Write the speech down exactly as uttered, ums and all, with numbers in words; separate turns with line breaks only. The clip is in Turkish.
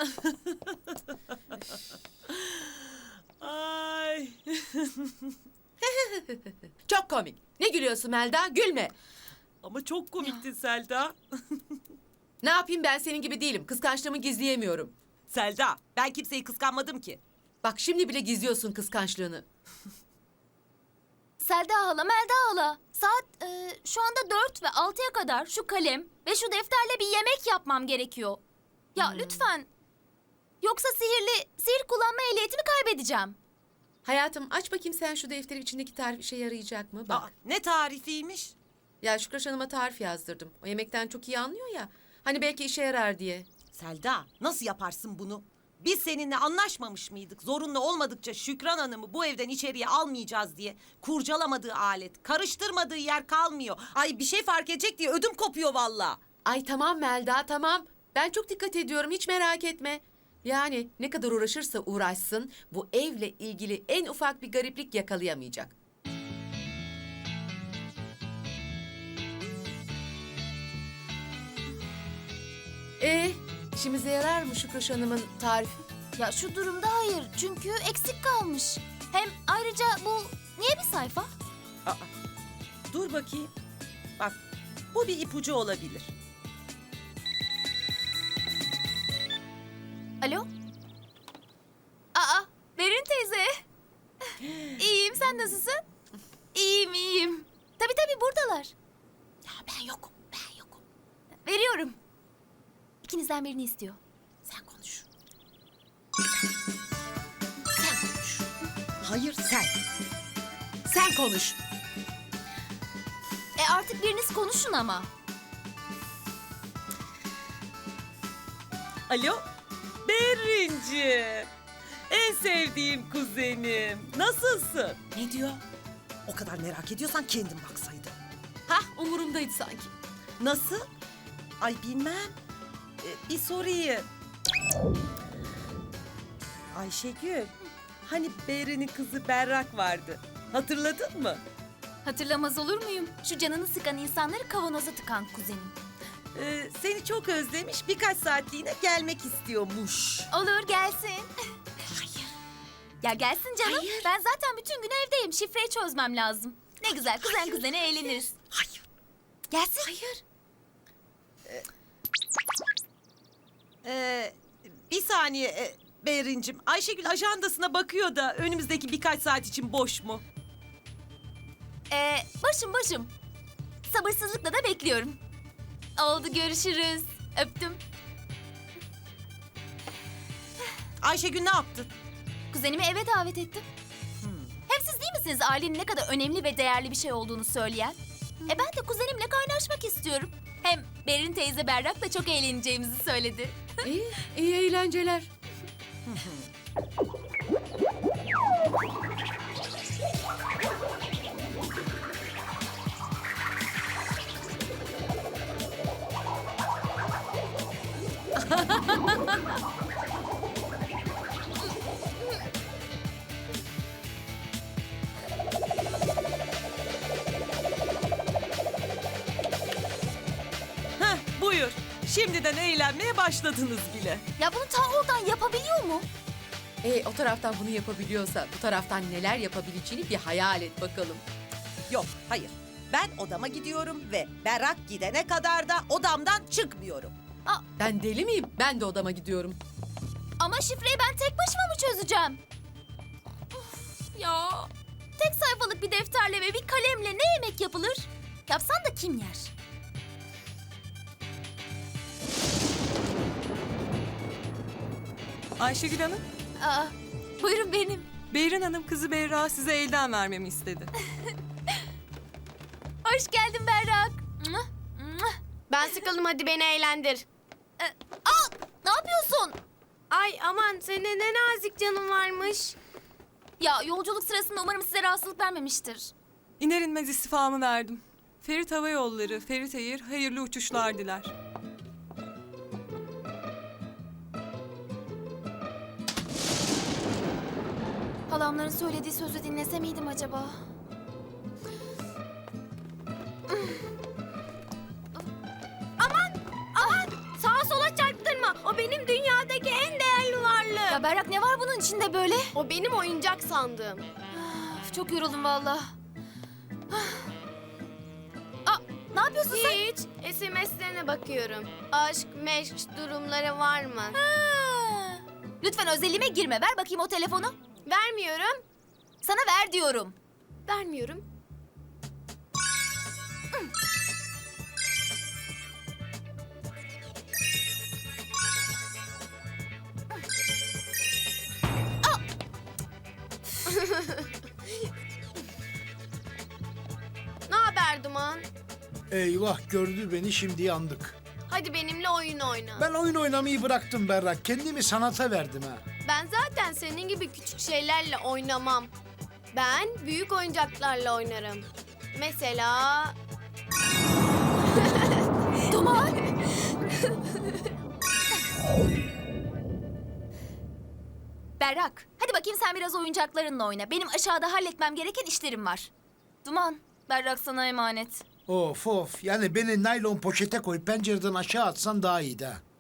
Ay.
Çok komik. Ne gülüyorsun Melda? Gülme.
Ama çok komiktin Selda.
Ne yapayım, ben senin gibi değilim. Kıskançlığımı gizleyemiyorum.
Selda, ben kimseyi kıskanmadım ki.
Bak şimdi bile gizliyorsun kıskançlığını.
Selda hala, Melda hala. Saat e, şu anda dört ve altıya kadar şu kalem ve şu defterle bir yemek yapmam gerekiyor. Ya lütfen. Yoksa sihirli, sihir kullanma ehliyetimi kaybedeceğim.
Hayatım, aç bakayım sen şu defteri, içindeki tarif işe yarayacak mı? Bak.
Aa, ne tarifiymiş?
Ya Şükraş Hanım'a tarif yazdırdım. O yemekten çok iyi anlıyor ya. Hani belki işe yarar diye.
Selda, nasıl yaparsın bunu? Biz seninle anlaşmamış mıydık? Zorunlu olmadıkça Şükran Hanım'ı bu evden içeriye almayacağız diye. Kurcalamadığı alet, karıştırmadığı yer kalmıyor. Ay bir şey fark edecek diye ödüm kopuyor valla.
Ay tamam Melda, tamam. Ben çok dikkat ediyorum, hiç merak etme. Yani ne kadar uğraşırsa uğraşsın, bu evle ilgili en ufak bir gariplik yakalayamayacak. Ee, işimize yarar mı Şükraş Hanım'ın tarifi?
Ya şu durumda hayır, çünkü eksik kalmış. Hem ayrıca bu niye bir sayfa?
Aa, dur bakayım. Bak, bu bir ipucu olabilir.
Alo? Aa, Berin teyze. İyiyim, sen nasılsın? İyiyim, iyiyim. Tabii tabii buradalar.
Ya ben yokum, ben yokum.
Veriyorum. İkinizden birini istiyor.
Sen konuş. Sen konuş. Hayır sen.
Sen konuş.
E artık biriniz konuşun ama.
Alo? Berincim. En sevdiğim kuzenim. Nasılsın? Ne diyor? O kadar merak ediyorsan kendin baksaydın.
Hah, umurumdaydı sanki.
Nasıl? Ay bilmem. Ee, bir sorayım. Ayşegül. Hani Beri'nin kızı Berrak vardı. Hatırladın mı?
Hatırlamaz olur muyum? Şu canını sıkan insanları kavanoza tıkan kuzenim.
Ee, seni çok özlemiş, birkaç saatliğine gelmek istiyormuş.
Olur, gelsin.
Hayır.
Ya gelsin canım.
Hayır.
Ben zaten bütün gün evdeyim. Şifreyi çözmem lazım. Ne güzel kuzen
Hayır.
kuzene eğleniriz.
Hayır.
Gelsin.
Hayır. Ee, ee, bir saniye e, Berincim. Ayşegül ajandasına bakıyor da önümüzdeki birkaç saat için boş mu?
Ee, başım başım. Sabırsızlıkla da bekliyorum. Oldu, görüşürüz. Öptüm.
Ayşegül ne yaptın?
Kuzenimi eve davet ettim. Hem siz değil misiniz ailenin ne kadar önemli ve değerli bir şey olduğunu söyleyen? E ben de kuzenimle kaynaşmak istiyorum. Hem Berin teyze Berrak da çok eğleneceğimizi söyledi.
İyi, iyi eğlenceler.
Heh, buyur. Şimdiden eğlenmeye başladınız bile.
Ya bunu ta oradan yapabiliyor mu?
E, o taraftan bunu yapabiliyorsa bu taraftan neler yapabileceğini bir hayal et bakalım.
Yok, hayır. Ben odama gidiyorum ve Berrak gidene kadar da odamdan çıkmıyorum.
Ben deli miyim? Ben de odama gidiyorum.
Ama şifreyi ben tek başıma mı çözeceğim? Of ya. Tek sayfalık bir defterle ve bir kalemle ne yemek yapılır? Yapsan da kim yer?
Ayşegül Hanım,
Aa, buyurun benim.
Beyrin Hanım kızı Berrak'ı size elden vermemi istedi.
Hoş geldin Berrak.
Ben sıkıldım, hadi beni eğlendir.
Aa, ne yapıyorsun?
Ay aman, senin ne nazik canın varmış.
Ya yolculuk sırasında umarım size rahatsızlık vermemiştir.
İner inmez istifamı verdim. Ferit Hava Yolları, Ferit Air hayırlı uçuşlar diler.
Halamların söylediği sözü dinlese miydim acaba?
Sağa sola çarptırma, o benim dünyadaki en
Ya Berrak, ne var bunun içinde böyle?
O benim oyuncak sandığım.
Üf, çok yoruldum valla. Aa, ne yapıyorsun sen?
Hiç. S M S'lerine bakıyorum. Aşk, meşk durumları var mı?
Ha. Lütfen özelliğime girme. Ver bakayım o telefonu.
Vermiyorum.
Sana ver diyorum.
Vermiyorum. Ne haber Duman?
Eyvah gördü beni şimdi yandık.
Hadi benimle oyun oyna.
Ben oyun oynamayı bıraktım Berrak. Kendimi sanata verdim ha.
Ben zaten senin gibi küçük şeylerle oynamam. Ben büyük oyuncaklarla oynarım. Mesela...
Duman. Berrak, hadi bakayım sen biraz oyuncaklarınla oyna. Benim aşağıda halletmem gereken işlerim var. Duman, Berrak sana emanet.
Of of yani beni naylon poşete koy pencereden aşağı atsan daha iyiydi ha.